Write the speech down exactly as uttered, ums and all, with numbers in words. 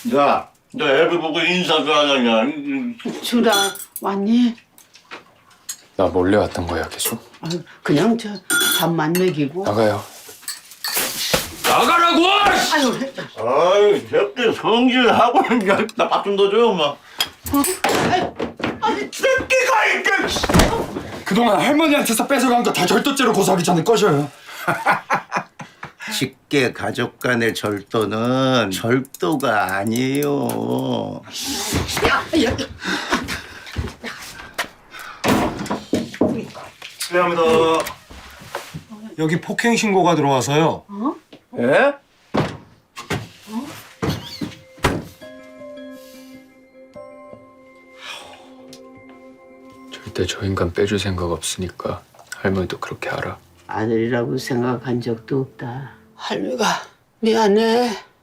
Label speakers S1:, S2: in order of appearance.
S1: 야, 너 애비 보고 인사 좀 하자냐?
S2: 주라 왔니?
S3: 나 몰래 왔던 거야 계속?
S2: 아유, 그냥 저 밥만 먹이고.
S3: 나가요. 나가라고!
S2: 아유,
S1: 아이, 새끼 성질하고 나밥 좀 더 줘요, 엄마.
S3: 새끼가 이게! 그동안 할머니한테서 뺏어간 거 다 절도죄로 고소하기 전에 꺼져요.
S1: 직계 가족 간의 절도는 절도가 아니에요.
S4: 실례합니다. 여기 폭행 신고가 들어와서요.
S3: 예? 절대 저 인간 빼줄 생각 없으니까 할머니도 그렇게 알아.
S2: 아들이라고 생각한 적도 없다. 할미가 미안해.